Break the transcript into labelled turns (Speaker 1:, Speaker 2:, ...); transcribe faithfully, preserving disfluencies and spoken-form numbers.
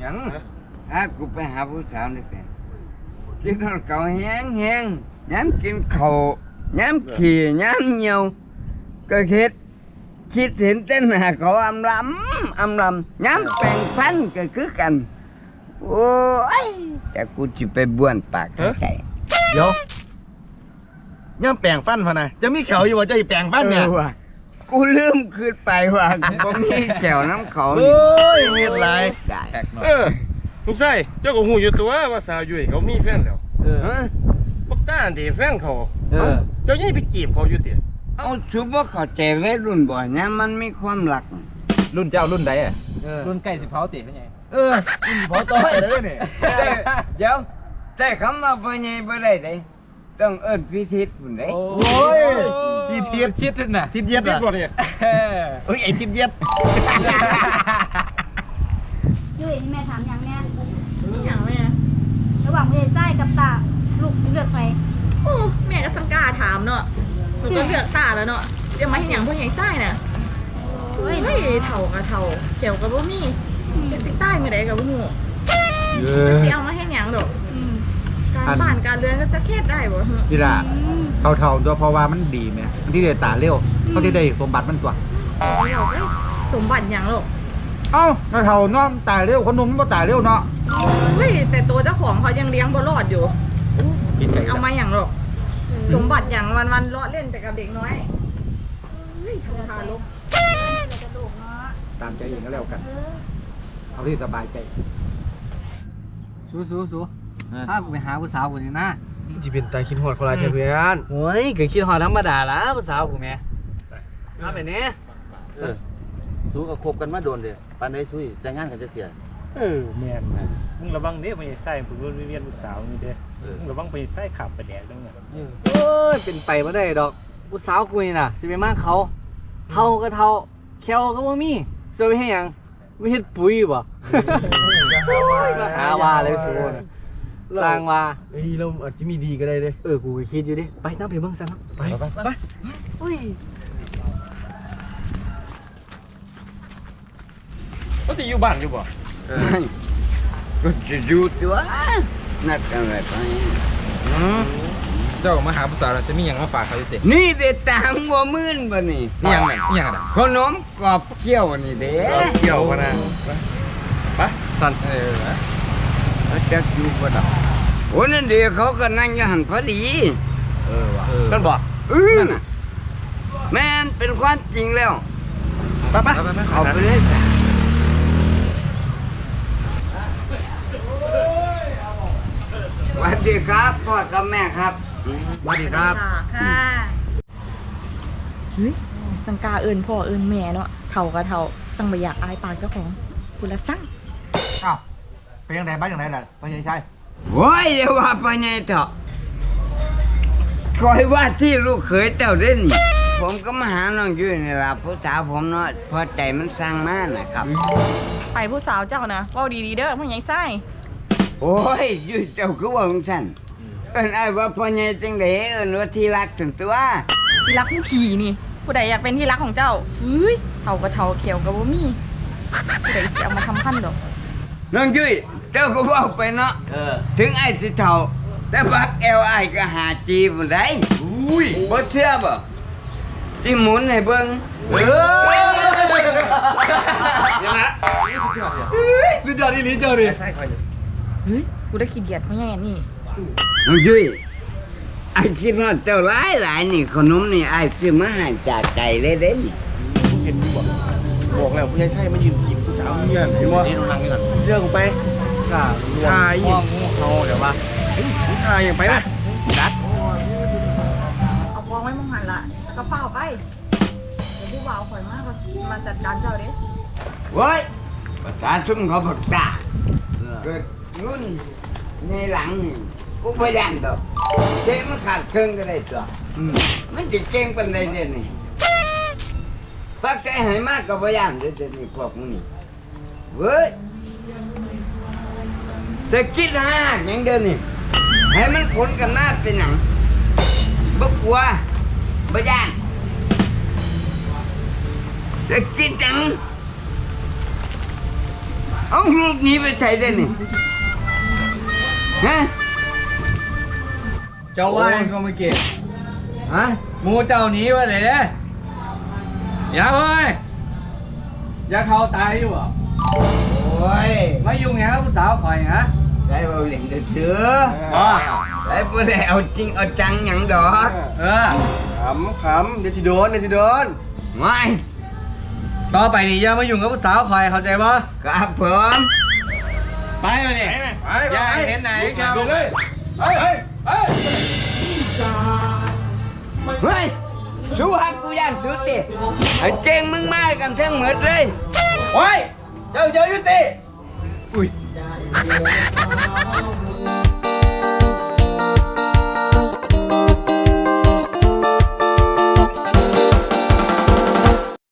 Speaker 1: ยัง
Speaker 2: ถ้ากูไปหาผู้สาวนี่เป็นกินข้าวเก่าแห้งแห้งย้ำกินข้าวย้ำขี่ย้ำเหี่ยวก็คิดคิดเห็นเต้นหาเขาอำลำอำลำย้ำแปลงฟันก็คือกันโอ้ยแต่กูจะไปบ้วนปากใส่
Speaker 1: เดี๋ยวย่ำแปลงฟันพะนะจะมีแขวอยู่ว่าจะแปลงฟันเนี่ย
Speaker 2: กูลืมคืนไปว่ากูมีแขวน้ำเขา
Speaker 1: โอ้ยมีอะไร
Speaker 2: ได้
Speaker 3: เออลูกชายเจ้าก็หูอยู่ตัวว่าสาวยุ่ยเขามีแฟนแล้ว
Speaker 1: เออ
Speaker 3: ปักต้าดีแฟนเขา
Speaker 1: เออ
Speaker 3: เจ้ายี่ไปจีบเขาอยู่ติ
Speaker 2: เอาชุบว่าเขาใจวัยรุ่นบ่อยนะมันมีความหลัก
Speaker 1: รุ่นเจ้ารุ่นใดอ่ะ
Speaker 4: รุ่นไก่สิเผาติเป็นไง
Speaker 1: เออรุ่นพอต่อยแล้วเนี่ย
Speaker 2: เดี๋ยวแต่คำว่าพ่อใหญ่บ่ได้เด้ต้องเอิ้นพิธีพุ่นเด้
Speaker 1: โอ้ยทีเทียบ
Speaker 4: ชิดน่ะ
Speaker 1: ทีเทียบ
Speaker 3: จีบ
Speaker 1: อ่ะ
Speaker 3: บ่เนี่ย
Speaker 1: เอ้ยไอ้ทีเทียบ
Speaker 5: ยุ้ยนี่แม่ถามอย่างเนี้ย
Speaker 6: อย่างแม่
Speaker 5: ระหว่างเพลไส้กับตาลูกเลือกใคร
Speaker 6: โอ้แม่ก็สังกาถามเนาะหนูก็เลือกตาแล้วเนาะจะมาให้หยังพวกใหญ่ไส้น่ะ
Speaker 5: โอ้ย
Speaker 6: เฮ้ยเถ่ากับเถ่าเขียวกับบ่มีเป็นสิใต้ไม่ได้กับบ่ฮู้
Speaker 1: เอ
Speaker 6: มัน
Speaker 1: อ
Speaker 6: สิเอามาให้หยังดอก
Speaker 5: อืม
Speaker 6: การบ้านการเรือนก็จะเครียดได้บ่ฮึ
Speaker 1: พี่ล่ะ
Speaker 5: อืม
Speaker 1: เขาเท่าตัวเพราะว่ามันดีไหมมันที่ได้ตาเร็วเขาที่ได้สมบัติมันตัว
Speaker 6: เอ้ยสมบัติหยังหรอก
Speaker 1: เอ้าเขาเท่าน้อมตาเร็วคนหนุ่มมันบ่ตาเร็วเนาะ
Speaker 6: เฮ้ยแต่ตัวเจ้าของเขายังเลี้ยงบ่รอดอยู่
Speaker 1: กินไก่
Speaker 6: เอามาหยังหรอกสมบัติหยังวันๆเลาะเล่นแต่กับเด็กน้อยเฮ้ยทำทารก
Speaker 5: เราจะลูกเนาะ
Speaker 1: ตามใจเองก็แล้วกัน
Speaker 5: เออ
Speaker 1: เอาที่สบายใจ
Speaker 4: สู้สู้สู้ถ้ากูไปหาผู้สาวกูนี่นะ
Speaker 7: จีเป็นตาคิดหอดเขาลายเทเพื่อน
Speaker 4: โอ้ยก็คิดฮอดธรรมดาละผู้สาวกูแม่มาไปเนี่ย
Speaker 8: เออสู้กับคบกันมาโดนเด้ปานใดสู้แต่งงานกันจะเสีย
Speaker 3: เออแม่นมึงระวังเด้ไปใส่ผู้รุ่นเวียนผู้สาวนี่เด้มึงระวังไปใส่ขับไปแดกจังเนี่ย
Speaker 4: โอ้ยเป็นไปบ่ได้ดอกผู้สาวกูนี่น่ะสิไปมากเขาเท่าก็เท่าแควก็บ่มีสิไปให้หยังไม่เฮ็ดปุ๋ยบ่มาหาว่าเลยสู้น่ะสร้างว่า
Speaker 7: เฮ้ยเราอาจจะมีดีก็ได้เลย
Speaker 4: เออ กูก็คิดอยู่ดิ ไปน้ำไปเบิ่งซะเนาะ
Speaker 7: ไป
Speaker 4: ไปอุ้ย
Speaker 3: เขาจะอยู่บ้านอยู่บ่
Speaker 2: ก็จะอยู่ตัวนัดกันไว้ไป
Speaker 1: เจ้ามาหาผู้สาวจะมีอย่างมาฝากเขาจะเตะ
Speaker 2: นี่เด็ดตามบ่มื่นบ่นี่
Speaker 1: นี่ยังไงนี่ยังไง
Speaker 2: ขนมกรอบเคี่ยวนี่เด้
Speaker 7: เกี่ยวกันนะ
Speaker 3: ไป
Speaker 1: สั่นเออ
Speaker 2: เขาจะอยู่บ่ดอกโอ้นั่นเดี๋ยวเขาก็นั่งอยู่หันพอดี
Speaker 1: เออว่ะ
Speaker 4: กันบ่
Speaker 2: เออน่ะแม่นเป็นความจริงแล้ว
Speaker 3: ไปไป
Speaker 2: เอาไปเลยสวัสดีครับพ่อกับแม่ครับ
Speaker 1: สวัสดีครับ
Speaker 5: ค่ะ
Speaker 6: เฮ้ยสังกาเอิญพ่อเอิญแม่เนาะเถ่ากับเถ่าจังบ่อยากอายปากเจ้าของคุณละสั่ง
Speaker 1: อ้าวเป็นยังไงบ้างยังไงล่ะพ่อใหญ่ใช่
Speaker 2: โอ้ยอย่าว่าไปไงเถอะคอยว่าที่ลูกเขยเจ้าเด่นผมก็มาหาน้องยุ้ยนี่ล่ะผู้สาวผมเนาะพอใจมันสร้างมานะครับ
Speaker 6: ไปผู้สาวเจ้านะเว้าดีๆเด้อพ่อใหญ่ไส้
Speaker 2: โอ้ยยุ้ยเจ้าคือว่าของฉันเอิ้นไอ้ายว่าพ่อใหญ่จังไดเอิ้นว่าที่รักถึงตัว
Speaker 6: ที่รักผู้ขี่นี่ ผู้ใดอยากเป็นที่รักของเจ้าเฮ้ยเถ่ากับเถ่าเขียวกับบ่มีผู้ใดสิเอามาทำพันดอก
Speaker 2: น้องยุ้ยเจ้าก็ว่าไปเนาะ
Speaker 8: เออ
Speaker 2: ถึงไอ้สิเฒ่าแต่บักแอลไอ้ายก็หาจีบได้
Speaker 8: อุ้ย
Speaker 2: บ่เชื่อบ่ที่หมุนให้เบิ่ง
Speaker 8: เออ
Speaker 3: ยังนะ
Speaker 7: สุดยอดที่นี้เจ้าดิ
Speaker 8: ใช่คอย
Speaker 6: เฮ้ยกูได้ขี้เกียจเพราะยังไงนี่
Speaker 2: น้องยุ้ยไอ้คิดว่าเจ้าหลายหลายนี่ขนมนี่ไอ้ซื้อมาให้จากไก่เลยเด้นี่
Speaker 7: เห็นบอกบอกแล้วผู้ใหญ่ใช่มายืนจีบผู้สาวเงี้ยเห็นบ่
Speaker 8: นี่ดูนังนี่ก่อน
Speaker 7: เชื่อกูไป
Speaker 4: ก็รวม
Speaker 7: ทายอีก
Speaker 4: ห้องงูเขาเดี๋ยวว่า
Speaker 7: ทายอย่างไปไหม
Speaker 4: ดัด
Speaker 6: เอากองไว้มองหันละแล้วก็เฝ้าไปเดี๋ยวผู้บ่าวข่อยมากมาจัดการเจ้าเด้
Speaker 2: เว้ยประชาชนเขาบอกตาเกิดรุ่นในหลังนี่กูพยานดอกเจ๊มันขาดเครื่องก็ได้ตัวมันจะเก่งเป็นไรเด่นนี่สักใจให้มากก็พยานเดี๋ยวจะนี่พวกมึงนี่เว้ยจะคิดหาอย่างเดินนี่ให้มันผลกันหน้าเป็นหนังบ่กลัวบ่ย่านจะคิดจังเอาลูกหนี้ไปใช้ได้นี่ฮะ
Speaker 4: เจ้าว่าไงก็ไม่เก็บ
Speaker 2: ฮะ
Speaker 4: หมูเจ้าหนีวะเลยเด้อย่าเว้ยอย่าเขาตายอยู่อ่ะ
Speaker 2: โอ้ย
Speaker 4: มายุ่งหยังกับผู้สาวข่อยฮะ
Speaker 2: ได้เอาเหรียญเดือ
Speaker 4: อ๋อ
Speaker 2: ได้บ่ได้เอาจริงเอาจังหยังดอก
Speaker 4: เออ
Speaker 7: ขำขำเดี๋ยวสิโดนเดี๋ยวสิโดน
Speaker 2: ไม่
Speaker 4: ต่อไปนี่อย่ามายุ่งกับผู้สาวข่อยเข้าใจบ่
Speaker 2: ครับผม
Speaker 4: ไปมาดิ
Speaker 3: ไปไหม
Speaker 7: ไป
Speaker 4: อย่า
Speaker 7: ไป
Speaker 4: ให้เห็นไหน
Speaker 7: ลุก
Speaker 4: เจ้า
Speaker 7: ลุกเลย
Speaker 4: เฮ้ย
Speaker 7: เฮ้ย
Speaker 4: เฮ้ย
Speaker 2: เฮ้ยสู้ฮักกูย่านสุดดิไอ้เก่งมึงมากันทั้งหมดเลย
Speaker 7: โอ้ยเจ้าเจ้ายุติ
Speaker 2: อุ้ย